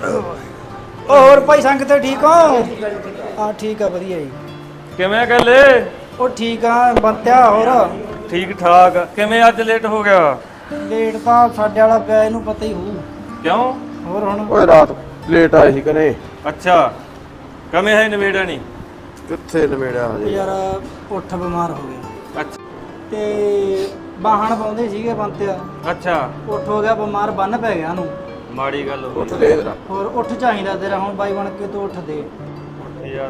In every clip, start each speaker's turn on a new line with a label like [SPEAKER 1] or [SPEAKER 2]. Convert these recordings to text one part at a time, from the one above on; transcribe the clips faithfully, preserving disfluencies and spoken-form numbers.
[SPEAKER 1] ਉਹ ਹੋਰ ਭਾਈ ਸੰਗਤ ਠੀਕ ਹੋ? ਹਾਂ ਠੀਕ ਆ ਵਧੀਆ ਜੀ।
[SPEAKER 2] ਕਿਵੇਂ ਗੱਲੇ?
[SPEAKER 1] ਉਹ ਠੀਕ ਆ ਬੰਤਿਆ। ਹੋਰ
[SPEAKER 2] ਠੀਕ ਠਾਕ। ਕਿਵੇਂ ਅੱਜ ਲੇਟ ਹੋ ਗਿਆ?
[SPEAKER 1] ਲੇਟ ਤਾਂ ਸਾਡੇ ਵਾਲਾ ਪਿਆ, ਇਹਨੂੰ ਪਤਾ ਹੀ ਹੋਊ।
[SPEAKER 2] ਕਿਉਂ?
[SPEAKER 1] ਹੋਰ ਹੁਣ
[SPEAKER 3] ਓਏ ਰਾਤ ਲੇਟ ਆਏ ਸੀ ਕਨੇ।
[SPEAKER 2] ਅੱਛਾ ਕਵੇਂ ਹੈ ਨਵੇੜਾ ਨਹੀਂ?
[SPEAKER 3] ਕਿੱਥੇ ਨਵੇੜਿਆ ਹਜੇ
[SPEAKER 1] ਯਾਰ ਉੱਠ ਬਿਮਾਰ ਹੋ ਗਿਆ
[SPEAKER 2] ਅੱਛਾ
[SPEAKER 1] ਤੇ ਬਾਹਣ ਪਾਉਂਦੇ ਸੀਗੇ ਬੰਤਿਆ,
[SPEAKER 2] ਅੱਛਾ
[SPEAKER 1] ਉੱਠ ਹੋ ਗਿਆ ਬਿਮਾਰ, ਬੰਨ ਪੈ ਗਿਆ ਉਹਨੂੰ।
[SPEAKER 2] ਮਾੜੀ ਗੱਲ ਹੋ
[SPEAKER 3] ਉੱਠ
[SPEAKER 2] ਗਈ
[SPEAKER 3] ਦੇ ਜਰਾ।
[SPEAKER 1] ਹੋਰ ਉੱਠ ਚਾਹੀਦਾ ਤੇਰਾ ਹੁਣ, ਬਾਈ ਬਣ ਕੇ ਤੂੰ ਉੱਠ ਦੇ
[SPEAKER 2] ਯਾਰ।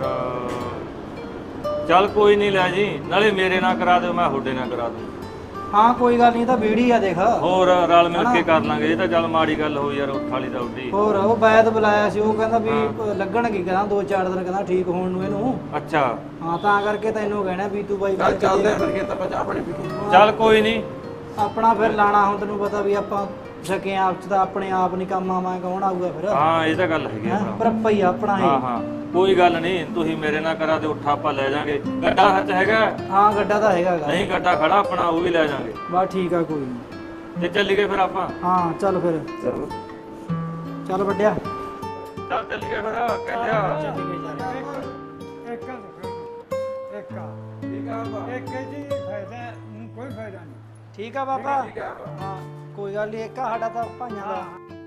[SPEAKER 2] ਚੱਲ ਕੋਈ ਨਹੀਂ ਲੈ ਜੀ, ਨਾਲੇ ਮੇਰੇ ਨਾਲ ਕਰਾ ਦਿਓ, ਮੈਂ ਤੁਹਾਡੇ ਨਾਲ ਕਰਾ ਦੂੰ।
[SPEAKER 1] ਹਾਂ ਕੋਈ ਗੱਲ ਨਹੀਂ, ਤਾਂ ਬੀੜੀ ਆ ਦੇਖ।
[SPEAKER 2] ਹੋਰ ਰਲ ਮਿਲ ਕੇ ਕਰ ਲਾਂਗੇ। ਇਹ ਤਾਂ ਚੱਲ ਮਾੜੀ ਗੱਲ ਹੋਈ ਯਾਰ, ਉੱਠ ਵਾਲੀ ਤਾਂ ਉੱਡੀ।
[SPEAKER 1] ਹੋਰ ਉਹ ਬੈਦ ਬੁਲਾਇਆ ਸੀ, ਉਹ ਕਹਿੰਦਾ ਵੀ ਲੱਗਣਗੇ, ਕਹਿੰਦਾ ਦੋ ਚਾਰ ਦਿਨ, ਕਹਿੰਦਾ ਠੀਕ ਹੋਣ ਨੂੰ ਇਹਨੂੰ।
[SPEAKER 2] ਅੱਛਾ
[SPEAKER 1] ਹਾਂ ਤਾਂ ਕਰਕੇ ਤੈਨੂੰ ਕਹਿਣਾ ਵੀ ਤੂੰ ਬਾਈ
[SPEAKER 3] ਚੱਲ ਚੱਲਦੇ ਫਿਰ ਕੇ ਤਾਂ ਚਾਹ ਪਾਣੀ ਪੀ ਕੇ।
[SPEAKER 2] ਚੱਲ ਕੋਈ ਨਹੀਂ।
[SPEAKER 1] ਆਪਣਾ ਫਿਰ ਲਾਣਾ ਹੁਣ, ਤੈਨੂੰ ਪਤਾ ਵੀ ਆਪਾਂ ਸਕੇ ਆਪ ਚ ਤਾਂ ਆਪਣੇ ਆਪ ਨਹੀਂ ਕੰਮ ਆਵਾਂ, ਕੌਣ ਆਊਗਾ ਫਿਰ?
[SPEAKER 2] ਹਾਂ ਇਹ ਤਾਂ ਗੱਲ ਹੈਗੀ ਆ
[SPEAKER 1] ਹੈਂ?
[SPEAKER 2] ਭਰਾ।
[SPEAKER 1] ਪਰ ਆਪਾਂ ਹੀ ਆ ਆਪਣਾ
[SPEAKER 2] ਹਾਂ
[SPEAKER 1] ਇਹ।
[SPEAKER 2] ਹਾਂ ਕੋਈ ਗੱਲ ਨਹੀਂ, ਤੁਸੀਂ ਮੇਰੇ ਨਾਲ ਕਰਾ ਦਿਓ, ਉੱਠ ਆਪਾਂ ਲੈ ਜਾਾਂਗੇ। ਗੱਡਾ ਹੱਥ ਹੈਗਾ?
[SPEAKER 1] ਹਾਂ ਗੱਡਾ ਤਾਂ ਹੈਗਾ ਗਾ।
[SPEAKER 2] ਨਹੀਂ ਗੱਡਾ ਖੜਾ ਆਪਣਾ, ਉਹ ਵੀ ਲੈ ਜਾਾਂਗੇ।
[SPEAKER 1] ਬਸ ਠੀਕ ਆ ਕੋਈ ਨਹੀਂ।
[SPEAKER 2] ਤੇ ਚੱਲੀਏ ਫਿਰ ਆਪਾਂ।
[SPEAKER 1] ਹਾਂ ਚੱਲ ਫਿਰ,
[SPEAKER 3] ਚਲੋ
[SPEAKER 1] ਚੱਲ ਵੱਡਿਆ।
[SPEAKER 2] ਚੱਲ ਚੱਲੀਏ ਫਿਰ ਕਹਿੰਦਿਆ।
[SPEAKER 4] ਇੱਕ ਇੱਕ
[SPEAKER 3] ਠੀਕ ਆ ਬਾਬਾ।
[SPEAKER 4] ਇੱਕ ਜੀ ਫਾਇਦਾ ਕੋਈ ਫਾਇਦਾ ਨਹੀਂ।
[SPEAKER 1] ਠੀਕ ਆ ਬਾਬਾ। ਹਾਂ ਕੋਈ ਗੱਲ ਨਹੀਂ, ਇੱਕ ਆ ਸਾਡਾ ਤਾਂ ਭਾਈਆਂ ਦਾ।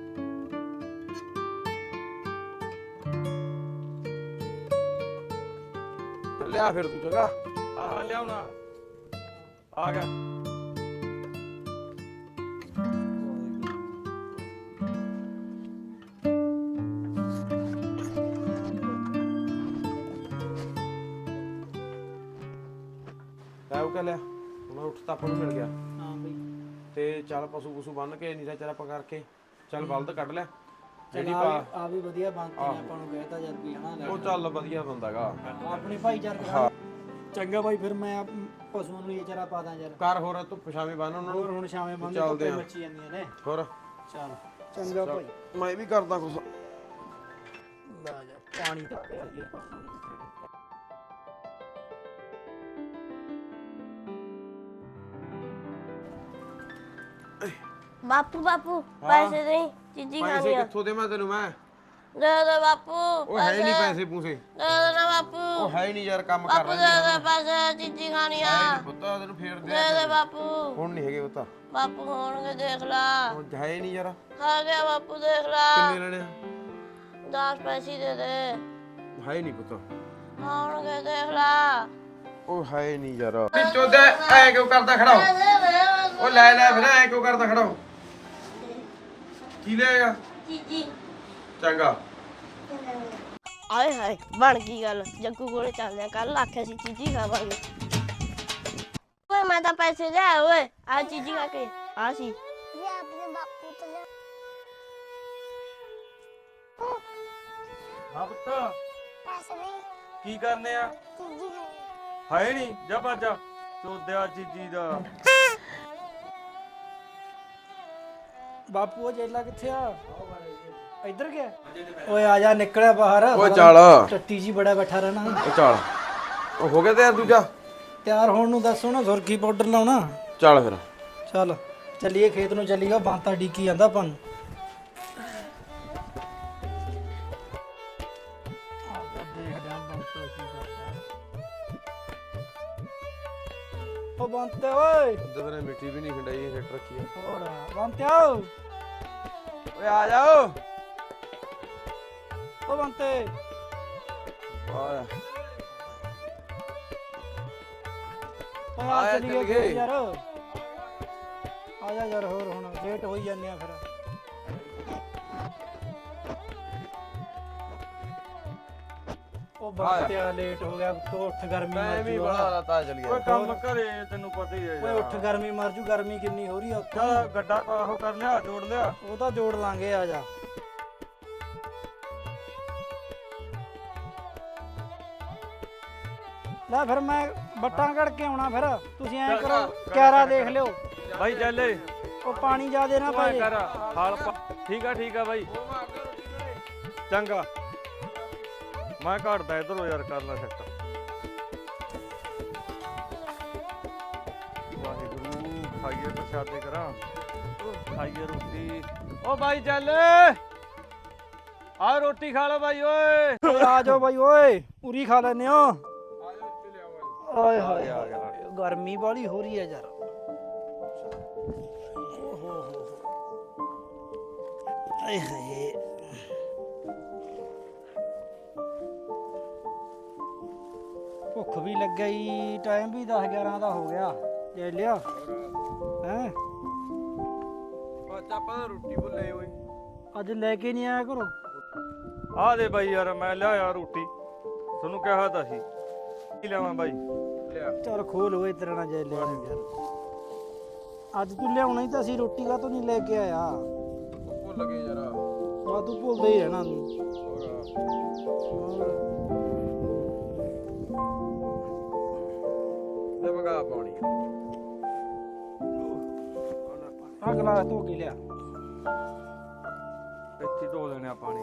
[SPEAKER 3] ਲਿਆ ਫਿਰ ਤੂੰ ਚੰਗਾ।
[SPEAKER 2] ਆ ਲਿਆਉਣਾ ਆ ਗਿਆ।
[SPEAKER 3] ਲੈ ਉਹ ਕਹ ਲਿਆ ਹੁਣ, ਉੱਠ ਤਾਂ ਆਪਾਂ ਨੂੰ ਮਿਲ ਗਿਆ।
[SPEAKER 1] ਹਾਂ ਬਈ
[SPEAKER 3] ਤੇ ਚੱਲ ਪਸ਼ੂ ਪਸ਼ੂ ਬੰਨ ਕੇ ਨੀਰਾ ਚਾਰਾ ਆਪਾਂ ਕਰਕੇ ਚੱਲ ਬਲਦ ਕੱਢ ਲਿਆ ਜਿਹੜੀ
[SPEAKER 1] ਚੱਲ
[SPEAKER 3] ਪਾ।
[SPEAKER 1] ਆ ਵੀ ਵਧੀਆ ਬਣਤੀ ਨੇ, ਆਪਾਂ ਨੂੰ ਕਹਿਤਾ ਜਦ ਵੀ ਹਨਾ।
[SPEAKER 3] ਉਹ ਚੱਲ ਵਧੀਆ ਬੰਦਾਗਾ।
[SPEAKER 1] ਆਪਣੀ ਭਾਈਚਾਰਕ
[SPEAKER 3] ਹਾਂ
[SPEAKER 1] ਚੰਗਾ ਬਾਈ, ਫਿਰ ਮੈਂ ਆਪ ਪਸ਼ੂਆਂ ਨੂੰ ਇਹ ਚਾਰਾ ਪਾ ਦਾਂ ਯਾਰ।
[SPEAKER 3] ਕਰ ਹੋਰ ਤੂੰ ਪਛਾਵੇਂ ਬੰਨ ਉਹਨਾਂ
[SPEAKER 1] ਹੋਰ
[SPEAKER 3] ਨੂੰ।
[SPEAKER 1] ਹੁਣ ਸ਼ਾਮੇ ਬੰਦ
[SPEAKER 3] ਚੱਲਦੇ
[SPEAKER 1] ਧੁੱਪੇ
[SPEAKER 3] ਆ।
[SPEAKER 1] ਮੱਚੀ ਜਾਂਦੀਆਂ ਨੇ।
[SPEAKER 3] ਹੋਰ
[SPEAKER 1] ਚੱਲ ਚੰਗਾ ਭਾਈ।
[SPEAKER 3] ਮੈਂ ਵੀ ਕਰਦਾ ਕੁਛ।
[SPEAKER 1] ਲੈ ਜਾ ਪਾਣੀ ਤਾਂ ਪਿਆ ਜੀ।
[SPEAKER 5] ਬਾਪੂ ਬਾਪੂ ਪੈਸੇ ਦੇ, ਚੀਜ਼ੀ
[SPEAKER 3] ਪੈਸੇ
[SPEAKER 5] ਖਾਣੀ ਆ।
[SPEAKER 3] ਕਿੱਥੋਂ ਦੇਵਾਂ ਤੈਨੂੰ ਮੈਂ?
[SPEAKER 5] ਦੇ ਦੇ ਬਾਪੂ
[SPEAKER 3] ਉਹ ਹੈ ਨਹੀਂ ਪੈਸੇ ਪੂਸੇ।
[SPEAKER 5] ਦੇ ਦੇ ਨਾ ਬਾਪੂ।
[SPEAKER 3] ਉਹ ਹੈ ਨਹੀਂ ਯਾਰ, ਕੰਮ ਕਰ
[SPEAKER 5] ਬਾਪੂ
[SPEAKER 3] ਰਹੇ
[SPEAKER 5] ਦੇ ਦੇ ਪੈਸੇ, ਚੀਜ਼ੀ ਖਾਣੀ ਆ।
[SPEAKER 3] ਪੁੱਤਾ ਤੈਨੂੰ ਫੇਰ ਦੇ।
[SPEAKER 5] ਦੇ ਦੇ ਬਾਪੂ।
[SPEAKER 3] ਹੁਣ ਨਹੀਂ ਹੈਗੇ ਪੁੱਤਾ।
[SPEAKER 5] ਬਾਪੂ ਹੋਣਗੇ ਦੇਖ ਲਾ।
[SPEAKER 3] ਉਹ ਹੈ ਨਹੀਂ ਯਾਰ।
[SPEAKER 5] ਆ ਗਿਆ ਬਾਪੂ ਦੇਖ ਲਾ।
[SPEAKER 3] ਕਿੰਨੇ ਲੈਣੇ ਆ?
[SPEAKER 5] ਦਸ ਪੈਸੇ ਦੇ ਦੇ।
[SPEAKER 3] ਹੈ ਨਹੀਂ ਪੁੱਤਾ।
[SPEAKER 5] ਹੋਣਗੇ ਦੇਖ ਲਾ।
[SPEAKER 3] ਉਹ ਹੈ ਨਹੀਂ ਯਾਰ। ਵਿੱਚੋਂ ਦੇ ਐ ਕਿਉਂ ਕਰਦਾ ਖੜਾ ਹੋ? ਉਹ ਲੈ ਲੈ ਫਿਰ, ਐ ਕਿਉਂ ਕਰਦਾ ਖੜਾ ਹੋ? ਕੀ ਲੈਗਾ?
[SPEAKER 5] ਚੀਜ਼ੀ।
[SPEAKER 3] ਚੰਗਾ।
[SPEAKER 5] ਆਏ ਹਾਏ ਬਣ ਗਈ ਗੱਲ। ਜੱਗੂ ਕੋਲੇ ਚੱਲਦੇ ਆ, ਕੱਲ ਆਖਿਆ ਸੀ ਚੀਜ਼ੀ ਖਾਵਾਂਗੇ। ਓਏ ਮੈਂ ਤਾਂ ਪੈਸੇ ਲਿਆ ਓਏ, ਆ ਚੀਜ਼ੀ ਖਾ ਕੇ ਆ ਸੀ।
[SPEAKER 6] ये अपने बापू तो ले।
[SPEAKER 2] ਹਾਂ ਪੁੱਤ
[SPEAKER 6] पैसे नहीं,
[SPEAKER 2] ਕੀ ਕਰਨੇ ਆ?
[SPEAKER 6] चीज़ी खानी।
[SPEAKER 2] ਹੈ ਨਹੀਂ ਜਾ ਬਾਜਾ ਚੋਦਿਆ ਚੀਜੀ ਦਾ।
[SPEAKER 1] ਬਾਪੂ ਉਹ ਜੇਲਾ ਕਿੱਥੇ ਆ? ਇੱਧਰ ਗਿਆ? ਓਏ ਆ ਜਾ, ਨਿਕਲਿਆ ਬਾਹਰ।
[SPEAKER 3] ਓਏ ਚੱਲ।
[SPEAKER 1] ਟੱਟੀ ਜੀ ਬੜਾ ਬੈਠਾ ਰਹਿਣਾ।
[SPEAKER 3] ਉਹ ਚੱਲ। ਉਹ ਹੋ ਗਿਆ ਤੇ ਯਾਰ ਦੂਜਾ।
[SPEAKER 1] ਤਿਆਰ ਹੋਣ ਨੂੰ ਦੱਸੋ ਨਾ, ਸੁਰਖੀ ਪਾਊਡਰ ਲਾਉਣਾ।
[SPEAKER 3] ਚੱਲ ਫਿਰ।
[SPEAKER 1] ਚੱਲ ਚੱਲੀਏ ਖੇਤ ਨੂੰ, ਚੱਲੀਗਾ ਬਾਂਤਾ ਡੀਕੀ ਜਾਂਦਾ ਆਪਾਂ ਨੂੰ। ਉਹ ਬੰਤੇ ਓਏ।
[SPEAKER 3] ਜਦੋਂ ਨੇ ਮਿੱਟੀ ਵੀ ਨਹੀਂ ਖੰਡਾਈ, ਹਿੱਟ ਰੱਖੀ ਆ।
[SPEAKER 1] ਹੋਰ ਬੰਤੇ ਆਓ।
[SPEAKER 3] ਓਏ ਆ ਜਾਓ।
[SPEAKER 1] ਉਹ ਬੰਤੇ
[SPEAKER 3] ਆ
[SPEAKER 1] ਓਏ ਆ
[SPEAKER 3] ਆਇਆ
[SPEAKER 1] ਚੱਲੀਏ
[SPEAKER 3] ਚੱਲ
[SPEAKER 1] ਖੇਤ
[SPEAKER 3] ਗਏ।
[SPEAKER 1] ਯਾਰ। ਆ ਜਾ ਯਾਰ, ਹੋਰ ਹੁਣ ਲੇਟ ਹੋਈ ਜਾਂਦੇ ਆ ਫਿਰ। ਉਹ ਬੰਤਿਆ ਲੇਟ ਹੋ ਗਿਆ, ਤੂੰ ਉੱਠ ਗਰਮੀ
[SPEAKER 3] ਮੈਂ
[SPEAKER 1] ਮਰ
[SPEAKER 3] ਵੀ
[SPEAKER 1] ਜੂ।
[SPEAKER 3] ਬੜਾ ਰਤਾ ਚੱਲ
[SPEAKER 2] ਓਏ
[SPEAKER 3] ਗਿਆ।
[SPEAKER 2] ਕੰਮ ਘਰੇ ਤੈਨੂੰ ਪਤਾ ਹੀ ਹੈ
[SPEAKER 1] ਓਏ
[SPEAKER 2] ਯਾਰ।
[SPEAKER 1] ਉੱਠ ਗਰਮੀ ਮਰ ਜੂ, ਗਰਮੀ ਕਿੰਨੀ ਹੋ ਰਹੀ ਆ ਉੱਥੇ।
[SPEAKER 2] ਚੱਲ ਗੱਡਾ ਆਹੋ ਕਰ ਲਿਆ, ਜੋੜ ਲਿਆ।
[SPEAKER 1] ਉਹ ਤਾਂ ਜੋੜ ਲਾਂਗੇ, ਆ ਜਾ। ਲੈ ਫਿਰ ਮੈਂ ਬੱਟਾਂ ਕੱਢ ਕੇ ਆਉਣਾ, ਫਿਰ ਤੁਸੀਂ ਐਂ ਕਰੋ ਕਿਆਰਾ ਦੇਖ ਲਿਓ।
[SPEAKER 2] ਬਾਈ ਚੱਲੇ
[SPEAKER 1] ਉਹ ਪਾਣੀ ਜ਼ਿਆਦੇ ਨਾ
[SPEAKER 2] ਓਏ
[SPEAKER 1] ਪਾਏ।
[SPEAKER 2] ਕਰ ਹਾਲ ਪਾ- ਠੀਕ ਆ ਠੀਕ ਆ ਬਾਈ ਚੰਗਾ। ਮੈਂ ਘੜਦਾ ਇਧਰੋਂ ਯਾਰ, ਕਰਨਾ ਸੈੱਟ। ਵਾਹਿਗੁਰੂ ਖਾਈਏ ਪ੍ਰਸ਼ਾਦੇ ਕਰਾਂ, ਖਾਈਏ ਰੋਟੀ। ਓ ਬਾਈ ਚੱਲ ਆ ਰੋਟੀ ਖਾ ਲਓ ਬਾਈ ਓਏ
[SPEAKER 1] ਓਏ ਆ ਜਾਓ ਬਾਈ ਓਏ ਪੂਰੀ ਖਾ ਲੈਨੇ ਹੋ ਓਏ ਹੋਏ
[SPEAKER 2] ਆ ਗਿਆ
[SPEAKER 1] ਗਰਮੀ ਵਾਲੀ ਹੋ ਰਹੀ ਹੈ ਯਾਰ ਆਏ ਹਾਏ ਭੁੱਖ ਵੀ ਲੱਗੀ ਟਾਈਮ ਵੀ ਦਸ ਗਿਆਰਾਂ ਦਾ ਹੋ ਗਿਆ ਲੈ ਲਿਆ ਹੈ
[SPEAKER 3] ਬੱਚਾ ਆਪਾਂ ਰੋਟੀ ਭੁੱਲੇ ਓਏ
[SPEAKER 1] ਅੱਜ ਲੈ ਕੇ ਨਹੀਂ ਆਇਆ ਕਰੋ
[SPEAKER 2] ਆ ਦੇ ਬਾਈ ਯਾਰ ਮੈਂ ਲਿਆਇਆ ਰੋਟੀ ਤੁਹਾਨੂੰ ਕਿਹਾ ਤਾਂ ਸੀ ਕੀ ਲਿਆਵਾਂ ਬਾਈ
[SPEAKER 3] ਲਿਆ
[SPEAKER 1] ਚਲ ਖੋਲ ਓਏ ਤੇਰੇ ਨਾਲ ਜੈ ਲਿਆ ਯਾਰ ਅੱਜ ਤੂੰ ਲਿਆਉਣਾ ਹੀ ਤਾਂ ਸੀ ਰੋਟੀ ਕਾ ਤੂੰ ਨਹੀਂ ਲੈ ਕੇ ਆਇਆ
[SPEAKER 3] ਭੁੱਲ ਗਏ ਯਾਰ
[SPEAKER 1] ਆ ਤੂੰ ਭੁੱਲਦਾ ਹੀ ਰਹਿਣਾ ਤੂੰ
[SPEAKER 3] ਲੈ ਮਗਾ ਪਾਣੀ
[SPEAKER 1] ਆ ਗਲਾਸ ਧੋ ਕੇ ਲਿਆ
[SPEAKER 2] ਇੱਥੇ ਧੋ ਲੈਣੇ ਆ ਪਾਣੀ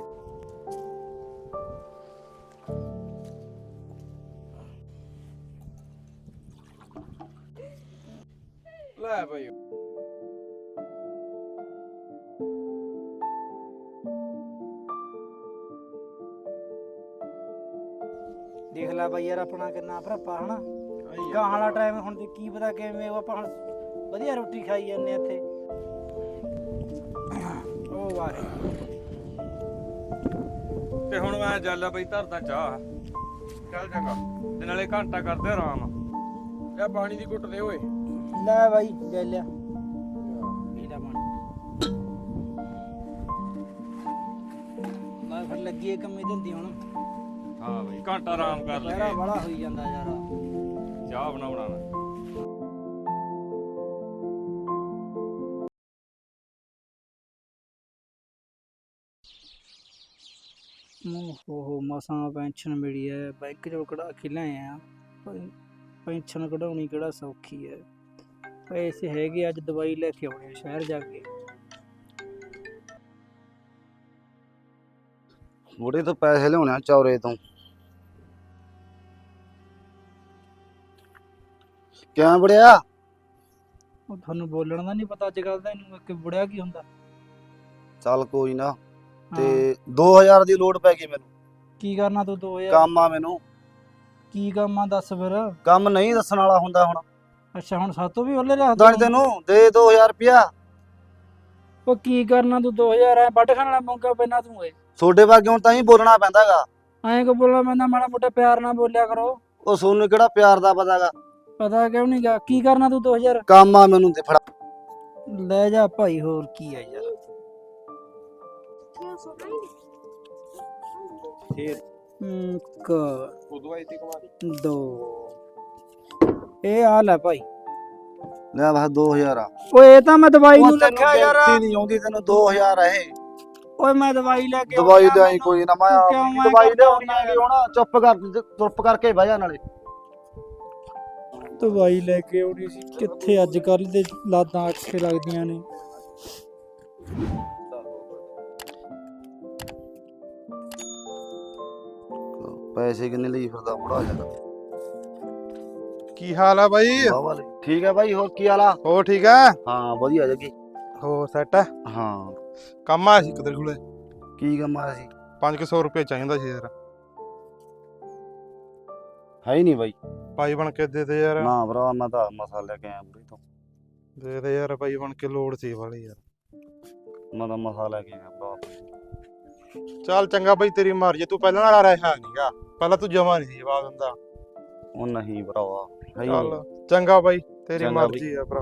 [SPEAKER 3] ਲੈ ਭਾਈ
[SPEAKER 1] ਦੇਖ ਲੈ ਬਾਈ ਯਾਰ ਆਪਣਾ ਕਿੰਨਾ ਭਰਾਪਾ ਹਨਾ ਗਾਹਾਂ ਵਾਲਾ ਟਾਈਮ ਹੁਣ ਤੇ ਕੀ ਪਤਾ ਕਿਵੇਂ ਉਹ ਆਪਾਂ ਹੁਣ ਵਧੀਆ ਰੋਟੀ ਖਾਈ ਜਾਂਦੇ ਇੱਥੇ ਉਹ ਵਾਹ
[SPEAKER 2] ਤੇ ਹੁਣ ਮੈਂ ਚੱਲ ਬਈ ਧਰਦਾ ਚਾਹ
[SPEAKER 3] ਚੱਲ ਚੰਗਾ
[SPEAKER 2] ਤੇ ਨਾਲੇ ਘੰਟਾ ਕਰਦੇ ਆਰਾਮ
[SPEAKER 3] ਲੈ ਪਾਣੀ ਦੀ ਘੁੱਟ ਦੇ ਓਏ
[SPEAKER 1] ਲੈ ਬਾਈ ਲੈ ਲਿਆ ਪੀ ਲੈ ਪਾਣੀ ਮੈਂ ਫਿਰ ਲੱਗੀ ਏ ਕੰਮੇ ਦਿੰਦੀ ਹੁਣ
[SPEAKER 2] ਹਾਂ ਬਈ ਘੰਟਾ ਆਰਾਮ ਕਰ
[SPEAKER 1] ਲਹਿਰਾ
[SPEAKER 2] ਲਈਏ
[SPEAKER 1] ਬੜਾ ਹੋਈ ਜਾਂਦਾ ਯਾਰ
[SPEAKER 2] ਚਾਹ ਬਣਾਉਣਾ ਨਾ
[SPEAKER 1] ਓਹੋ ਮਸਾਂ ਪੈਨਸ਼ਨ ਮਿਲੀ ਹੈ ਬੈਂਕ ਚੋਂ ਕਢਾ ਕੇ ਲਿਆਏ ਆ ਪੈਨਸ਼ਨ ਕਢਾਉਣੀ ਕਿਹੜਾ ਸੌਖੀ ਹੈ ਪੈਸੇ ਹੈਗੇ ਅੱਜ ਦਵਾਈ ਲੈ ਕੇ ਆਉਣੀ ਸ਼ਹਿਰ ਜਾ ਕੇ
[SPEAKER 7] ਬੁੜੇ ਤੋਂ ਪੈਸੇ ਲਿਆਉਣੇ ਚੌਰੇ ਤੋਂ ਕਿਵੇਂ ਬੜਿਆ
[SPEAKER 1] ਉਹ ਤੁਹਾਨੂੰ ਬੋਲਣ ਦਾ ਨਹੀਂ ਪਤਾ ਅੱਜ ਕੱਲ ਦਾ ਇਹਨੂੰ ਕਿ ਬੁੜਿਆ ਕੀ ਹੁੰਦਾ
[SPEAKER 7] ਚੱਲ ਕੋਈ ਨਾ
[SPEAKER 1] ਹਾਂ,
[SPEAKER 7] ਤੇ ਦੋ ਹਜ਼ਾਰ ਦੀ ਲੋੜ ਪੈ ਗਈ ਮੈਨੂੰ
[SPEAKER 1] ਕੀ ਕਰਨਾ ਤੂੰ ਦੋ ਹਜ਼ਾਰ
[SPEAKER 7] ਕੰਮ ਆ ਮੈਨੂੰ
[SPEAKER 1] ਕੀ ਕੰਮ ਆ ਦੱਸ ਫਿਰ
[SPEAKER 7] ਕੰਮ ਨਹੀਂ ਦੱਸਣ ਵਾਲਾ ਹੁੰਦਾ ਹੁਣ
[SPEAKER 1] ਅੱਛਾ ਹੁਣ ਸਾਤੋਂ ਵੀ ਉਹਲੇ ਰੱਖ
[SPEAKER 7] ਦੱਸ ਤੈਨੂੰ ਦੇ ਦੋ ਹਜ਼ਾਰ ਰੁਪਿਆ
[SPEAKER 1] ਉਹ ਕੀ ਕਰਨਾ ਤੂੰ ਦੋ ਹਜ਼ਾਰ ਐ ਵੱਢ ਖਾਣ ਵਾਲਾ ਮੌਕਾ ਪੈਣਾ ਤੂੰ ਏ
[SPEAKER 7] ਤੁਹਾਡੇ ਵਰਗੇ ਹੁਣ ਤਾਂ ਹੀ ਬੋਲਣਾ ਪੈਂਦਾਗਾ
[SPEAKER 1] ਐਂ ਕੋ ਬੋਲਣਾ ਪੈਂਦਾ ਮਾੜਾ ਮੋਟਾ ਪਿਆਰ ਨਾਲ ਬੋਲਿਆ ਕਰੋ
[SPEAKER 7] ਉਹ ਸੋਨੂੰ ਕਿਹੜਾ ਪਿਆਰ ਦਾ ਪਤਾਗਾ
[SPEAKER 1] ਪਤਾ ਕਿਉਂ ਨਹੀਂ ਗਾ ਕੀ ਕਰਨਾ ਤੂੰ ਦੋ ਹਜ਼ਾਰ
[SPEAKER 7] ਕੰਮ ਆ ਮੈਨੂੰ ਤੇ ਫੜਾ
[SPEAKER 1] ਲੈ ਜਾ ਭਾਈ ਹੋਰ ਕੀ ਆ ਯਾਰ ਇੱਕ
[SPEAKER 3] ਉਦੋਂ ਆਈ ਤੀ ਕਮਾ
[SPEAKER 1] ਦੋ ਇਹ ਆ ਲੈ ਭਾਈ
[SPEAKER 7] ਲੈ ਬਸ ਦੋ ਹਜ਼ਾਰ ਆ
[SPEAKER 1] ਓਏ ਇਹ ਤਾਂ ਮੈਂ ਦਵਾਈ
[SPEAKER 7] ਉਹ
[SPEAKER 1] ਨੂੰ
[SPEAKER 7] ਤੈਨੂੰ
[SPEAKER 1] ਰੱਖਿਆ ਯਾਰ
[SPEAKER 7] ਗਿਣਤੀ ਨਹੀਂ ਆਉਂਦੀ ਤੈਨੂੰ ਦੋ ਹਜ਼ਾਰ ਆ ਇਹ
[SPEAKER 1] ਓਏ ਮੈਂ ਦਵਾਈ ਲੈ ਕੇ
[SPEAKER 7] ਦਵਾਈ
[SPEAKER 1] ਆਉਣਾ,
[SPEAKER 7] ਲਿਆਈ
[SPEAKER 1] ਮੈਨੂੰ-
[SPEAKER 7] ਕੋਈ ਨਾ ਮੈਂ
[SPEAKER 1] ਤੂੰ
[SPEAKER 7] ਆਪ
[SPEAKER 1] ਕਿਉਂ
[SPEAKER 7] ਹੀ
[SPEAKER 1] ਐਂ
[SPEAKER 7] ਦਵਾਈ
[SPEAKER 1] ਕਰਦਾ
[SPEAKER 7] ਲਿਆਉਣੀ
[SPEAKER 1] ਹੁੰਦਾ
[SPEAKER 7] ਹੈਗੀ ਹੁਣ ਚੁੱਪ ਕਰ ਚੁੱਪ ਕਰਕੇ ਬਹਿ ਜਾ ਨਾਲੇ
[SPEAKER 1] ਦਵਾਈ ਲੈ ਕੇ ਆਉਣੀ ਸੀ ਕਿੱਥੇ ਅੱਜ ਕੱਲ ਦੇ ਲਾਦਾਂ ਅੱਖੇ ਲੱਗਦੀਆਂ ਨੇ
[SPEAKER 7] ਪੈਸੇ ਕਿੰਨੇ ਲਈ ਫਿਰਦਾ ਬੁੜਾ ਜਾਂਦਾ
[SPEAKER 8] ਕੀ ਹਾਲ ਆ ਬਾਈ
[SPEAKER 7] ਵਾਹ ਠੀਕ ਹੈ ਬਾਈ ਹੋਰ ਕੀ ਹਾਲਾ
[SPEAKER 8] ਹੋ ਠੀਕ ਆ
[SPEAKER 7] ਹਾਂ ਵਧੀਆ ਜੱਗੀ
[SPEAKER 8] ਹੋ ਸੈਟ ਆ
[SPEAKER 7] ਹਾਂ
[SPEAKER 8] ਕੰਮ ਆ ਸੀ ਕਿਧਰ ਕੋਲੇ
[SPEAKER 7] ਕੀ ਕੰਮ ਆਇਆ ਸੀ
[SPEAKER 8] ਪੰਜ ਸੌ ਰੁਪਏ ਚਾਹੀਦਾ ਸੀ ਯਾਰ
[SPEAKER 7] ਹੈ ਹੀ ਨਹੀਂ ਬਾਈ
[SPEAKER 8] ਭਾਈ ਬਣ ਕੇ ਦੇ ਦੇ ਯਾਰ
[SPEAKER 7] ਨਾ ਭਰਾ ਮੈਂ ਤਾਂ ਮਸਾ ਲੈ ਕੇ ਆਇਆ ਬੁੜੀ ਤੋਂ
[SPEAKER 8] ਦੇ ਦੇ ਯਾਰ ਭਾਈ ਬਣ ਕੇ ਲੋੜ ਸੀ ਵਾਲੀ ਯਾਰ
[SPEAKER 7] ਮੈਂ ਤਾਂ ਮਸਾ ਲੈ ਕੇ ਆਇਆ ਭਰਾ
[SPEAKER 8] ਚੱਲ ਚੰਗਾ ਬਾਈ ਤੇਰੀ ਮਰਜ਼ੀ ਤੂੰ ਪਹਿਲਾਂ ਨਾਲ ਰਿਹਾ ਨਹੀਂਗਾ ਪਹਿਲਾਂ ਤੂੰ ਜਮਾ ਨਹੀਂ ਸੀ ਜਵਾਬ ਦਿੰਦਾ
[SPEAKER 7] ਉਹ ਨਹੀਂ ਭਰਾਵਾ ਹੈ ਹੀ
[SPEAKER 8] ਚੱਲ
[SPEAKER 7] ਨਹੀਂ।
[SPEAKER 8] ਚੰਗਾ ਬਾਈ ਤੇਰੀ
[SPEAKER 7] ਚੰਗਾ
[SPEAKER 8] ਮਰਜ਼ੀ ਆ ਭਰਾ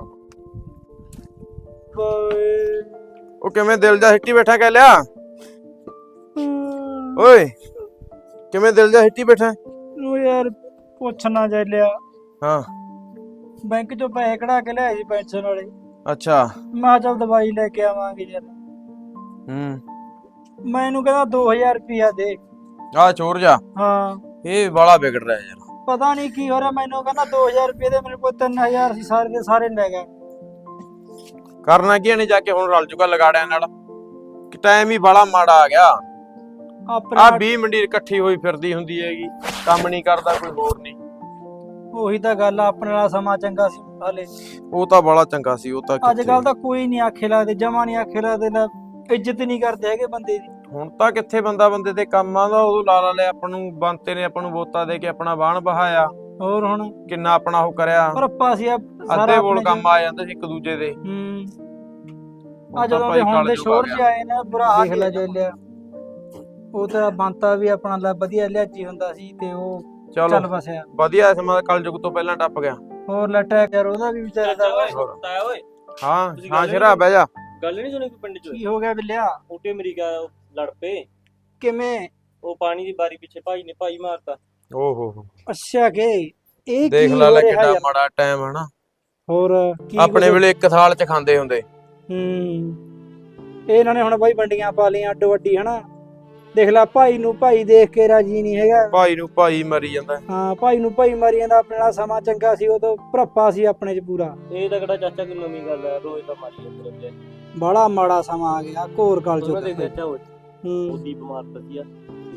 [SPEAKER 3] ਉਹ ਕਿਵੇਂ ਦਿਲ ਜਾ ਹਿੱਟੀ ਬੈਠਾ ਕਹਿ ਲਿਆ ਓਏ ਕਿਵੇਂ ਦਿਲ ਜਾ ਹਿੱਟੀ ਬੈਠਾ
[SPEAKER 1] ਉਹ ਯਾਰ ਪੁੱਛਣਾ ਜਾ ਲਿਆ
[SPEAKER 3] ਹਾਂ
[SPEAKER 1] ਬੈਂਕ ਚੋਂ ਪੈਸੇ ਕਢਾ ਕੇ ਲਿਆਏ ਸੀ ਪੈਨਸ਼ਨ ਵਾਲੇ
[SPEAKER 3] ਅੱਛਾ
[SPEAKER 1] ਮੈਂ ਕਿਹਾ ਚੱਲ ਦਵਾਈ ਲੈ ਕੇ ਆਵਾਂਗੇ ਯਾਰ
[SPEAKER 3] ਹੂੰ
[SPEAKER 1] ਮੈਨੂੰ ਕਹਿੰਦਾ ਦੋ ਹਜ਼ਾਰ ਰੁਪਇਆ ਦੇ
[SPEAKER 3] ਆ ਚੋਰ ਜਾ
[SPEAKER 1] ਹਾਂ
[SPEAKER 3] ਇਹ ਬਾਲਾ ਵਿਗੜ ਰਿਹਾ ਯਾਰ
[SPEAKER 1] ਪਤਾ ਨਹੀਂ ਕੀ ਹੋ ਰਿਹਾ ਮੈਨੂੰ ਕਹਿੰਦਾ ਦੋ ਹਜ਼ਾਰ ਰੁਪਏ ਦੇ ਮੇਰੇ ਕੋਲ ਤਿੰਨ ਹਜ਼ਾਰ ਸੀ ਸਾਰੇ ਦੇ ਸਾਰੇ ਲੈ ਗਿਆ
[SPEAKER 3] ਕਰਨਾ ਕੀ ਨੇ ਜਾ ਕੇ ਹੁਣ ਰਲ ਜੂਗਾ ਲਗਾੜਿਆਂ ਨਾਲ ਕਿ ਟਾਈਮ ਹੀ ਬਾਲਾ ਮਾੜਾ ਆ ਗਿਆ
[SPEAKER 1] ਆਪਣੇ
[SPEAKER 3] ਆ ਵੀਹ ਮੰਡੀ ਇਕੱਠੀ ਹੋਈ ਫਿਰਦੀ ਹੁੰਦੀ ਹੈਗੀ ਕੰਮ ਨਹੀਂ ਕਰਦਾ ਕੋਈ ਹੋਰ ਨਹੀਂ
[SPEAKER 1] ਉਹੀ ਤਾਂ ਗੱਲ ਆ ਆਪਣੇ ਵਾਲਾ ਸਮਾਂ ਚੰਗਾ ਸੀ ਹਾਲੇ
[SPEAKER 3] ਉਹ ਤਾਂ ਬਾਲਾ ਚੰਗਾ ਸੀ ਉਹ ਤਾਂ
[SPEAKER 1] ਅੱਜ ਕੱਲ ਤਾਂ ਕੋਈ ਨਹੀਂ ਆਖੇ ਲੱਗਦੇ ਜਮਾ ਨਹੀਂ ਆਖੇ ਲੱਗਦੇ ਨਾ ਇੱਜ਼ਤ ਨਹੀਂ ਕਰਦੇ ਹੈਗੇ ਬੰਦੇ ਦੀ।
[SPEAKER 3] ਹੁਣ ਤਾਂ ਕਿੱਥੇ ਬੰਦਾ ਬੰਦੇ ਤੇ ਕੰਮ ਆਉਂਦਾ, ਉਦੋਂ ਲਾ ਲਾ ਲਿਆ ਆਪਾਂ ਨੂੰ ਬੰਤੇ ਨੇ ਆਪਾਂ ਨੂੰ ਵੋਟਾਂ ਦੇ ਕੇ ਆਪਣਾ ਬਾਣ ਬਹਾਇਆ,
[SPEAKER 1] ਹੋਰ ਹੁਣ
[SPEAKER 3] ਕਿੰਨਾ ਆਪਣਾ ਉਹ ਕਰਿਆ,
[SPEAKER 1] ਪਰ ਆਪਾਂ ਸੀ
[SPEAKER 3] ਅੱਧੇ ਬੋਲ ਕੰਮ ਆ ਜਾਂਦੇ ਸੀ ਇੱਕ ਦੂਜੇ ਦੇ।
[SPEAKER 1] ਹੂੰ
[SPEAKER 3] ਹੁਣ
[SPEAKER 1] ਆ
[SPEAKER 3] ਤਾਂ
[SPEAKER 1] ਜਦੋਂ
[SPEAKER 3] ਭਾਈ
[SPEAKER 1] ਦੇ ਹੁਣ ਦੇ
[SPEAKER 3] ਕਲਯੁੱਗ ਆ
[SPEAKER 1] ਸ਼ੋਰ
[SPEAKER 3] ਗਿਆ।
[SPEAKER 1] ਚ ਆਏ ਨਾ ਬੁਰਾ ਹਾਲ ਦੇਖ ਲੈ ਜੇ ਲਿਆ। ਉਹ ਤਾਂ ਬੰਤਾ ਵੀ ਆਪਣਾ ਲੈ ਵਧੀਆ ਲਿਆਜੀ ਹੁੰਦਾ ਸੀ ਤੇ ਉਹ ਚੱਲ
[SPEAKER 3] ਚਲੋ
[SPEAKER 1] ਫਸਿਆ।
[SPEAKER 3] ਵਧੀਆ ਸਮਾਂ ਕਲਯੁੱਗ ਤੋਂ ਪਹਿਲਾਂ ਟੱਪ ਗਿਆ।
[SPEAKER 1] ਹੋਰ ਲੱਟਿਆ ਯਾਰ ਉਹਦਾ ਵੀ ਵਿਚਾਰੇ ਦਾ ਵਾ।
[SPEAKER 3] ਹੋਰ।
[SPEAKER 2] ਤਾਇਆ ਓਏ
[SPEAKER 3] ਹਾਂ
[SPEAKER 2] ਤੁਸੀਂ
[SPEAKER 3] ਹਾਂ
[SPEAKER 2] ਗੱਲ
[SPEAKER 3] ਸ਼ੇਰਾ ਬਹਿ ਜਾ।
[SPEAKER 2] ਗੱਲ ਨਹੀਂ ਸੁਣੀ ਕੋਈ ਪਿੰਡ ਚ
[SPEAKER 1] ਕੀ ਹੋ ਗਿਆ ਬਿੱਲਿਆ?
[SPEAKER 2] ਛੋਟੇ ਅਮਰੀਕਾ ਲੜ ਪਏ,
[SPEAKER 1] ਕਿਵੇਂ?
[SPEAKER 2] ਉਹ ਪਾਣੀ ਦੀ ਬਾਰੀ ਪਿੱਛੇ ਭਾਈ ਨੇ ਭਾਈ ਮਾਰਤਾ।
[SPEAKER 3] ਓ ਹੋ ਹੋ
[SPEAKER 1] ਅੱਛਾ ਕਿ ਇਹ
[SPEAKER 3] ਦੇਖ
[SPEAKER 1] ਕੀ
[SPEAKER 3] ਲਾ
[SPEAKER 1] ਹੋ
[SPEAKER 3] ਲੈ
[SPEAKER 1] ਰਿਹਾ
[SPEAKER 3] ਕਿੰਨਾ
[SPEAKER 1] ਯਾਰ?
[SPEAKER 3] ਮਾੜਾ ਟਾਈਮ ਹੈ ਨਾ।
[SPEAKER 1] ਹੋਰ ਕੀ
[SPEAKER 3] ਆਪਣੇ
[SPEAKER 1] ਕੁਛ-
[SPEAKER 3] ਵੇਲੇ ਇੱਕ ਥਾਲ ਚ ਖਾਂਦੇ ਹੁੰਦੇ।
[SPEAKER 1] ਹੂੰ ਇਹ ਇਹਨਾਂ ਨੇ ਹੁਣ ਬਾਈ ਵੰਡੀਆਂ ਪਾ ਲਈਆਂ ਅੱਡੋ ਅੱਡੀ ਹਨਾ। ਦੇਖ ਲੈ ਭਾਈ ਨੂੰ ਭਾਈ ਦੇਖ ਕੇ ਰਾਜੀ ਨਹੀਂ ਹੈਗਾ।
[SPEAKER 3] ਭਾਈ ਨੂੰ ਭਾਈ ਮਰੀ ਜਾਂਦਾ।
[SPEAKER 1] ਹਾਂ ਭਾਈ ਨੂੰ ਭਾਈ ਮਾਰੀ ਜਾਂਦਾ। ਆਪਣੇ ਨਾਲ ਸਮਾਂ ਚੰਗਾ ਸੀ, ਉਦੋਂ ਭਰਪਾ ਸੀ ਆਪਣੇ ਚ ਪੂਰਾ।
[SPEAKER 2] ਇਹ ਤਾਂ ਕਿਹੜਾ ਚਾਚਾ ਕੋਈ ਨਵੀਂ ਗੱਲ ਹੈ, ਰੋਜ਼ ਤਾਂ ਮਾਰੀ ਜਾਂਦੇ ਰਹਿੰਦੇ ਆ।
[SPEAKER 1] ਬੜਾ ਮਾੜਾ ਸਮਾਂ ਆ ਗਿਆ ਘੋਰ ਕਾਲ
[SPEAKER 2] ਉਹਨਾਂ ਦੇ
[SPEAKER 1] ਚ।
[SPEAKER 2] ਚਾਚਾ ਉਹ
[SPEAKER 1] ਹੂੰ
[SPEAKER 2] ਉਹਦੀ ਬਿਮਾਰ ਪਈ ਆ।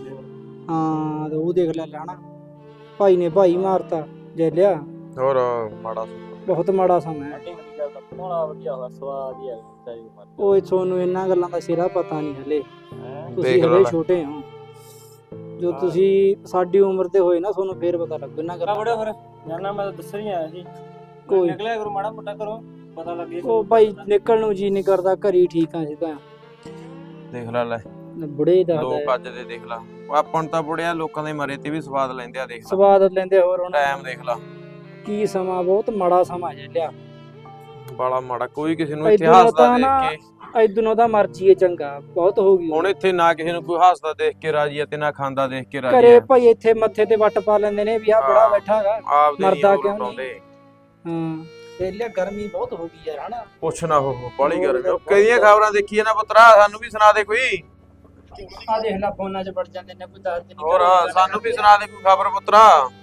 [SPEAKER 1] ਹਾਂ ਤੇ ਉਹ ਦੇਖ ਲੈ ਲੈਣਾ ਭਾਈ ਨੇ ਭਾਈ ਮਾਰਤਾ ਜੈਲਿਆ।
[SPEAKER 3] ਹੋਰ ਮਾੜਾ ਸਮਾਂ।
[SPEAKER 1] ਬਹੁਤ ਮਾੜਾ ਸਮਾਂ ਹੈ।
[SPEAKER 2] ਛੋਟੀ ਅਮਰੀਕਾ ਦਾ ਬੜਾ ਵਧੀਆ ਹੋਇਆ, ਸਵਾਦ ਹੀ ਆ ਚਾਹੀ ਮਾਰ।
[SPEAKER 1] ਓਏ ਤੁਹਾਨੂੰ ਇਹਨਾਂ ਗੱਲਾਂ ਦਾ ਸਿਰਾ ਪਤਾ ਨਹੀਂ ਹਲੇ। ਤੁਸੀਂ
[SPEAKER 3] ਦੇਖ
[SPEAKER 1] ਹਲੇ
[SPEAKER 3] ਲੈ।
[SPEAKER 1] ਛੋਟੇ ਹੋ। ਜੋ ਤੁਸੀਂ ਸਾਡੀ ਉਮਰ ਦੇ ਹੋਏ ਨਾ ਤੁਹਾਨੂੰ ਫੇਰ ਪਤਾ ਲੱਗੂ ਇਹਨਾਂ ਗੱਲਾਂ
[SPEAKER 2] ਬੜਾ ਫਿਰ ਜਾਨਾ ਮੈਂ ਤਾਂ ਦੱਸ ਰਹੀ ਆਇਆ ਸੀ।
[SPEAKER 1] ਕੋਈ-
[SPEAKER 2] ਨਿਕਲਿਆ ਕਰੋ ਮਾੜਾ ਮੋਟਾ ਕਰੋ, ਪਤਾ ਲੱਗੇ।
[SPEAKER 1] ਉਹ ਭਾਈ ਨਿਕਲਣ ਨੂੰ ਜੀ ਨਹੀਂ ਕਰਦਾ, ਘਰੀ ਠੀਕ ਆ ਸਿੱਧਾ।
[SPEAKER 3] ਦੇਖ ਲੈ ਲੈ
[SPEAKER 1] ਬੁੜੇ ਦਾ
[SPEAKER 3] ਲੋਕ ਅੱਜ ਦੇ ਦੇਖ ਲਾ। ਉਹ ਆਪਾਂ ਨੂੰ ਤਾਂ ਬੁੜਿਆ ਲੋਕਾਂ ਦੇ ਮਰੇ ਤੇ ਵੀ ਸਵਾਦ ਲੈਂਦੇ ਆ। ਦੇਖ ਲੈ
[SPEAKER 1] ਸਵਾਦ ਲੈਂਦੇ। ਹੋਰ ਹੁਣ
[SPEAKER 3] ਟਾਈਮ ਦੇਖ ਲਾ
[SPEAKER 1] ਕੀ ਸਮਾਂ ਬਹੁਤ ਮਾੜਾ ਸਮਾਂ ਜੈਲਿਆ।
[SPEAKER 3] ਬਾਲਾ ਮਾੜਾ। ਕੋਈ ਕਿਸੇ ਨੂੰ
[SPEAKER 1] ਭਾਈ
[SPEAKER 3] ਇੱਥੇ
[SPEAKER 1] ਦੁਨੀਆ
[SPEAKER 3] ਹੱਸਦਾ
[SPEAKER 1] ਤਾਂ ਨਾ-
[SPEAKER 3] ਦੇਖ ਕੇ
[SPEAKER 1] ਇਦੋਂ ਦਾ ਮਰਜੀ ਹੈ ਚੰਗਾ ਬਹੁਤ ਹੋ ਗਈ।
[SPEAKER 3] ਹੁਣ ਇੱਥੇ ਨਾ ਕਿਸੇ ਨੂੰ ਕੋਈ ਹੱਸਦਾ ਦੇਖ ਕੇ ਰਾਜੀ ਆ ਤੇ ਨਾ ਖਾਂਦਾ ਦੇਖ ਕੇ ਰਾਜੀ
[SPEAKER 1] ਘਰੇ
[SPEAKER 3] ਆ।
[SPEAKER 1] ਭਾਈ ਇੱਥੇ ਮੱਥੇ ਤੇ ਵੱਟ ਪਾ ਲੈਂਦੇ ਨੇ ਵੀ ਆ ਬੜਾ
[SPEAKER 3] ਹਾਂ।
[SPEAKER 1] ਬੈਠਾ ਹੈਗਾ।
[SPEAKER 3] ਆਪ ਦੇ
[SPEAKER 1] ਮਰਦਾ
[SPEAKER 3] ਨਹੀਂ
[SPEAKER 1] ਕਿਉਂ
[SPEAKER 3] ਉਡਾਉਂਦੇ।
[SPEAKER 1] ਹਾਂ ਜੈਲਿਆ ਗਰਮੀ ਬਹੁਤ ਹੋ ਗਈ ਯਾਰ ਹਨਾ।
[SPEAKER 3] ਪੁੱਛ ਨਾ ਹੋ ਬਾਲੀ
[SPEAKER 1] ਹੋਰ
[SPEAKER 3] ਗਰਮੀ। ਉਹ
[SPEAKER 1] ਬਹੁਤ
[SPEAKER 3] ਕਿਹਦੀਆਂ ਖਬਰਾਂ ਦੇਖੀ ਨਾ ਪੁੱਤਰਾ, ਸਾਨੂੰ ਵੀ ਸੁਣਾ ਦੇ ਕੋਈ।
[SPEAKER 1] ਆ ਦੇਖ ਲੈ ਫੋਨਾਂ 'ਚ ਵੜ ਜਾਂਦੇ ਨੇ ਕੋਈ ਦੱਸ ਦਿਨ।
[SPEAKER 3] ਹੋਰ ਸਾਨੂੰ ਵੀ ਸੁਣਾ ਦੇ ਕੋਈ ਖਬਰ ਪੁੱਤਰਾ।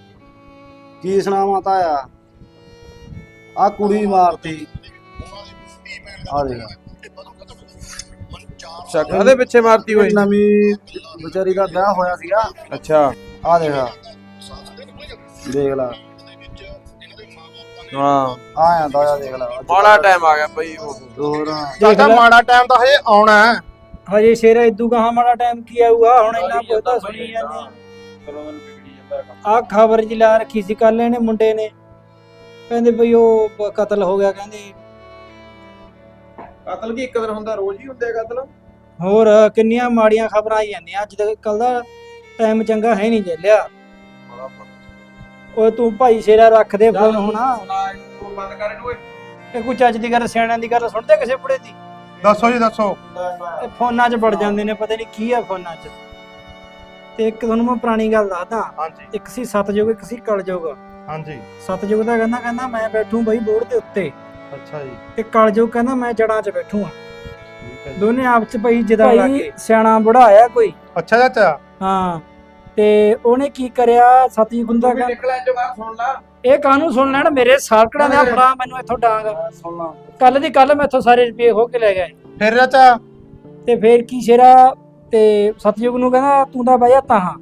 [SPEAKER 7] ਕੀ ਸੁਣਾਵਾਂ ਤਾਇਆ? ਆ ਕੁੜੀ ਮਾਰਤੀ। ਆ ਦੇਖ
[SPEAKER 3] ਅੱਛਾ ਕਾਹਦੇ ਪਿੱਛੇ ਮਾਰਤੀ ਹੋਈ?
[SPEAKER 7] ਨਵੀਂ ਵਿਚਾਰੀ ਦਾ ਵਿਆਹ ਹੋਇਆ ਸੀਗਾ।
[SPEAKER 3] ਅੱਛਾ
[SPEAKER 7] ਆ ਦੇਖ ਦੇਖ ਲਾ।
[SPEAKER 3] ਹਾਂ
[SPEAKER 7] ਆਇਆ ਤਾਇਆ ਦੇਖ ਲਾ।
[SPEAKER 3] ਮਾੜਾ ਟਾਈਮ ਆ ਗਿਆ ਬਈ। ਉਹ
[SPEAKER 7] ਹੋਰ
[SPEAKER 8] ਚਾਚਾ ਮਾੜਾ ਟਾਈਮ ਤਾਂ ਹਜੇ ਆਉਣਾ ਹੈ।
[SPEAKER 1] ਹਜੇ ਸ਼ੇਰਾ ਇਦੂ ਕਹਾ ਮਾੜਾ ਟਾਈਮ ਕੀ ਆਊਗਾ ਹੁਣ। ਇੰਨਾ ਪਤਾ ਸੁਣੀ ਜਾਂਦੇ
[SPEAKER 2] ਚਲੋ ਮੈਨੂੰ ਵਿਗੜੀ ਜਾਂਦਾ ਕੰਮ।
[SPEAKER 1] ਆ ਖਬਰ ਜੀ ਲਾ ਰੱਖੀ ਸੀ ਕੱਲ ਇਹਨੇ ਮੁੰਡੇ ਨੇ, ਕਹਿੰਦੇ ਬਈ ਉਹ ਬ- ਕਤਲ ਹੋ ਗਿਆ ਕਹਿੰਦੇ।
[SPEAKER 3] ਕਤਲ ਕੀ ਇੱਕ ਦਿਨ ਹੁੰਦਾ, ਰੋਜ਼ ਹੀ ਹੁੰਦੇ ਆ ਕਤਲ।
[SPEAKER 1] ਹੋਰ ਕਿੰਨੀਆਂ ਮਾੜੀਆਂ ਖਬਰਾਂ ਆਈ ਜਾਂਦੀਆਂ। ਅੱਜ ਤੱਕ ਕੱਲ ਦਾ ਟਾਈਮ ਚੰਗਾ ਹੈ ਨਹੀਂ ਜੈਲਿਆ। ਓਏ ਤੂੰ ਭਾਈ ਸ਼ੇਰਾ ਰੱਖ ਦੇ ਫੋਨ ਹੋਣਾ।
[SPEAKER 3] ਬੰਦ ਕਰ ਇਹਨੂੰ ਓਏ।
[SPEAKER 1] ਇਹ ਕੋਈ ਚੱਜ ਦੀ ਗੱਲ ਸਿਆਣਿਆਂ ਦੀ ਗੱਲ ਸੁਣਦੇ ਕਿਸੇ ਬੁੜੇ ਦੀ?
[SPEAKER 8] ਦੱਸੋ ਜੀ ਦੱਸੋ।
[SPEAKER 1] ਇਹ ਫੋਨਾਂ 'ਚ ਵੜ ਜਾਂਦੇ ਨੇ, ਪਤਾ ਨਹੀਂ ਕੀ ਆ ਫੋਨਾਂ 'ਚ। ਤੇ ਇੱਕ ਤੁਹਾਨੂੰ ਮੈਂ ਪੁਰਾਣੀ ਗੱਲ ਦੱਸਦਾ।
[SPEAKER 8] ਹਾਂਜੀ
[SPEAKER 1] ਇੱਕ ਸੀ ਸਤਜੁਗ, ਇੱਕ ਸੀ ਕਲਯੁਗ।
[SPEAKER 8] ਹਾਂਜੀ।
[SPEAKER 1] ਸਤਜੁਗ ਦਾ ਕਹਿੰਦਾ ਕਹਿੰਦਾ ਮੈਂ ਬੈਠੂ ਬਈ ਬੋਰਡ ਦੇ ਉੱਤੇ,
[SPEAKER 8] ਅੱਛਾ ਜੀ।
[SPEAKER 1] ਤੇ ਕਲਯੁਗ ਕਹਿੰਦਾ ਮੈਂ ਜੜਾਂ 'ਚ ਬੈਠੂ ਆ।
[SPEAKER 8] ਠੀਕ ਹੈ ਜੀ।
[SPEAKER 1] ਦੋਨੇ ਆਪ 'ਚ ਪਈ ਜਿਦਾ ਲੱਗੇ। ਸਿਆਣਾ ਬੁੜਾ ਆਇਆ ਕੋਈ।
[SPEAKER 8] ਅੱਛਾ ਚਾਚਾ।
[SPEAKER 1] ਹਾਂ ਤੇ ਉਹਨੇ ਕੀ ਕਰਿਆ ਸਤਜੁਗ ਦਾ ਕਹਿੰਦਾ
[SPEAKER 3] ਨਿਕਲ ਇੰਜ ਬਾਹਰ ਸੁਣ ਲਾ।
[SPEAKER 1] ਇਹ ਕਾਹਨੂੰ ਸੁਣ ਲੈਣ ਮੇਰੇ ਸਾਲਕੜਾਂ ਦਾ ਫੜਾ ਮੈਨੂੰ ਇੱਥੋਂ ਡਾਂਗ।
[SPEAKER 7] ਸੁਣਨਾ।
[SPEAKER 1] ਕੱਲ ਦੀ ਕੱਲ ਮੈਂ ਇੱਥੋਂ ਸਾਰੇ ਰੁਪਏ ਹੋ ਕੇ ਲੈ ਗਏ।
[SPEAKER 8] ਫਿਰ ਚਾਚਾ।
[SPEAKER 1] ਤੇ ਫੇਰ ਕੀ ਸ਼ੇਰਾ ਤੇ ਸਤਜੁਗ ਨੂੰ ਕਹਿੰਦਾ ਤੂੰ ਤਾਂ ਬਹਿ ਜਾ ਤਾਹਾਂ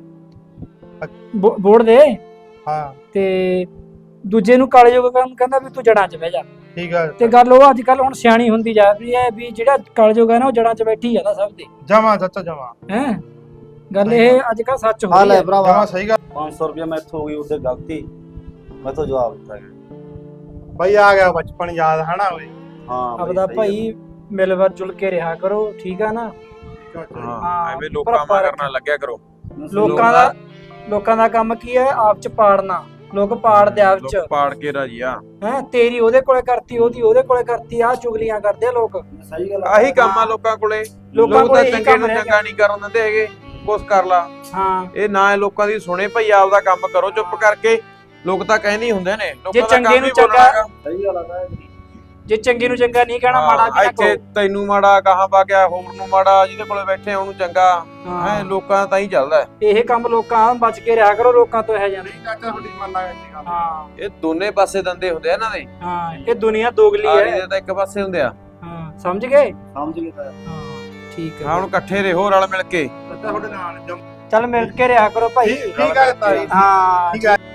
[SPEAKER 1] ਬੋੜ ਦੇ।
[SPEAKER 8] ਹਾਂ
[SPEAKER 1] ਤੇ ਦੂਜੇ ਨੂੰ ਕਲਯੁਗ ਕਹਿੰਦਾ ਵੀ ਤੂੰ ਜੜਾਂ 'ਚ ਬਹਿ ਜਾ।
[SPEAKER 8] ਠੀਕ ਹੈ।
[SPEAKER 1] ਤੇ ਗੱਲ ਉਹ ਅੱਜ ਕੱਲ ਹੁਣ ਸਿਆਣੀ ਹੁੰਦੀ ਜਾ ਰਹੀ ਹੈ ਵੀ ਜਿਹੜਾ ਕਲਯੁਗ ਹੈ ਨਾ ਉਹ ਜੜਾਂ 'ਚ ਬੈਠੀ ਜਾਂਦਾ ਸਭ ਦੇ।
[SPEAKER 8] ਜਮਾ ਚਾਚਾ ਜਮਾ।
[SPEAKER 1] ਹੈ ਗੱਲ ਇਹ ਅੱਜ ਕੱਲ ਸੱਚ ਹੋ
[SPEAKER 7] ਆ
[SPEAKER 1] ਰਹੀ
[SPEAKER 7] ਲੈ
[SPEAKER 1] ਹੈ।
[SPEAKER 7] ਭਰਾਵਾ
[SPEAKER 8] ਜਮਾ ਸਹੀ ਗੱਲ।
[SPEAKER 7] ਪੰਜ ਸੌ ਰੁਪਇਆ ਮੈਥੋਂ ਹੋ ਗਈ ਉਹਦੇ ਗਲਤੀ। ਮੈਥੋਂ ਜਵਾਬ ਦਿੱਤਾ ਗਿਆ।
[SPEAKER 8] ਬਈ ਆ ਗਿਆ ਬਚਪਨ ਯਾਦ ਹਨਾ ਓਏ।
[SPEAKER 7] ਹਾਂ ਬਈ,
[SPEAKER 1] ਆਪਦਾ
[SPEAKER 7] ਸਹੀ
[SPEAKER 1] ਭਾਈ ਮਿਲ ਵਰ ਜੁਲ ਕੇ ਰਿਹਾ ਕਰੋ ਠੀਕ ਆ ਨਾ।
[SPEAKER 3] ਹਾਂ ਐਵੇਂ ਲੋਕਾਂ ਮਾ ਕਰਨਾ ਲੱਗਿਆ ਕਰੋ।
[SPEAKER 1] ਲੋਕਾਂ ਦਾ ਲੋਕਾਂ ਦਾ ਕੰਮ ਕੀ ਹੈ ਆਪ 'ਚ ਪਾੜਨਾ। ਲੋਕ ਪਾੜਦੇ ਆਪ 'ਚ।
[SPEAKER 3] ਲੋਕ ਪਾੜ ਕੇ ਰਾਜੀ ਆ।
[SPEAKER 1] ਹੈ ਤੇਰੀ ਉਹਦੇ ਕੋਲੇ ਕਰਤੀ, ਉਹਦੀ ਉਹਦੇ ਕੋਲੇ ਕਰਤੀ। ਆਹ ਚੁਗਲੀਆਂ ਕਰਦੇ ਆ ਲੋਕ।
[SPEAKER 7] ਸਹੀ ਗੱਲ ਆ।
[SPEAKER 3] ਆਹੀ ਕੰਮ ਆ ਲੋਕਾਂ ਕੋਲੇ।
[SPEAKER 1] ਲੋਕਾਂ
[SPEAKER 3] ਲੋਕ
[SPEAKER 1] ਕੋਲੇ
[SPEAKER 3] ਤਾਂ
[SPEAKER 1] ਇਹੀ
[SPEAKER 3] ਚੰਗੇ
[SPEAKER 1] ਕੰਮ
[SPEAKER 3] ਨੂੰ
[SPEAKER 1] ਰਹਿ
[SPEAKER 3] ਚੰਗਾ ਨਹੀਂ ਕਰਨ ਦਿੰਦੇ ਹੈਗੇ। ਕੁਛ ਕਰ ਲਾ।
[SPEAKER 1] ਹਾਂ
[SPEAKER 3] ਇਹ ਨਾ ਇਹ ਲੋਕਾਂ ਦੀ ਸੁਣੇ ਭਈ ਆਪਦਾ ਕੰਮ ਕਰੋ ਚੁੱਪ ਕਰਕੇ। ਲੋਕ ਤਾਂ ਕਹਿੰਦੇ ਹੀ ਹੁੰਦੇ ਨੇ
[SPEAKER 1] ਜੇ
[SPEAKER 3] ਲੋਕਾਂ ਦਾ
[SPEAKER 1] ਚੰਗੇ
[SPEAKER 3] ਕੰਮ
[SPEAKER 1] ਨੂੰ
[SPEAKER 3] ਹੀ
[SPEAKER 1] ਚੰਗਾ-
[SPEAKER 3] ਬੋਲਣਾ ਹੈਗਾ।
[SPEAKER 7] ਸਹੀ ਗੱਲ ਆ ਤਾਇਆ ਜੀ।
[SPEAKER 1] ਜੇ ਚੰਗੇ ਨੂੰ ਚੰਗਾ ਨਹੀਂ ਕਹਿਣਾ ਮਾੜਾ ਵੀ ਨਾ
[SPEAKER 3] ਇੱਥੇ
[SPEAKER 1] ਕਹੋ।
[SPEAKER 3] ਤੈਨੂੰ ਮਾੜਾ ਕਹਾਂ ਪਾ ਗਿਆ, ਹੋਰ ਨੂੰ ਮਾੜਾ, ਜਿਹਦੇ ਕੋਲੇ ਬੈਠੇ ਆ ਉਹਨੂੰ ਚੰਗਾ।
[SPEAKER 1] ਹਾਂ
[SPEAKER 3] ਹੈ ਲੋਕਾਂ ਤਾਂ ਹੀ ਚੱਲਦਾ।
[SPEAKER 1] ਇਹ ਕੰਮ ਲੋਕਾਂ ਬਚ ਕੇ ਰਿਹਾ ਕਰੋ ਲੋਕਾਂ ਤੋਂ ਇਹ ਜਾਂਦੇ।
[SPEAKER 8] ਚਾਚਾ ਤੁਹਾਡੀ ਮੰਨਾ ਇਹ ਗੱਲ।
[SPEAKER 1] ਹਾਂ
[SPEAKER 3] ਇਹ ਦੋਨੇ ਪਾਸੇ ਦੰਦੇ ਹੁੰਦੇ ਆ ਇਹਨਾਂ ਦੇ।
[SPEAKER 1] ਹਾਂ ਇਹ ਦੁਨੀਆ ਦੋਗਲੀ
[SPEAKER 3] ਆਰੀ
[SPEAKER 1] ਹੈ।
[SPEAKER 3] ਦੇ ਤਾਂ ਇੱਕ ਪਾਸੇ ਹੁੰਦੇ ਆ।
[SPEAKER 1] ਹਾਂ ਸਮਝ ਗਏ।
[SPEAKER 7] ਸਮਝ ਗਏ ਤਾਇਆ।
[SPEAKER 1] ਹਾਂ ਠੀਕ
[SPEAKER 3] ਹਾਂ
[SPEAKER 1] ਹੈ।
[SPEAKER 3] ਹੁਣ ਇਕੱਠੇ ਰਹੋ ਰਲ ਮਿਲ ਕੇ।
[SPEAKER 8] ਚਾਚਾ ਤੁਹਾਡੇ ਨਾਲ ਜਮ-
[SPEAKER 1] ਚੱਲ ਮਿਲ ਕੇ ਰਿਹਾ ਕਰੋ ਭਾਈ।
[SPEAKER 8] ਠੀਕ ਠੀਕ ਹੈ ਤਾਈ।
[SPEAKER 1] ਹਾਂ
[SPEAKER 8] ਠੀਕ ਹੈ।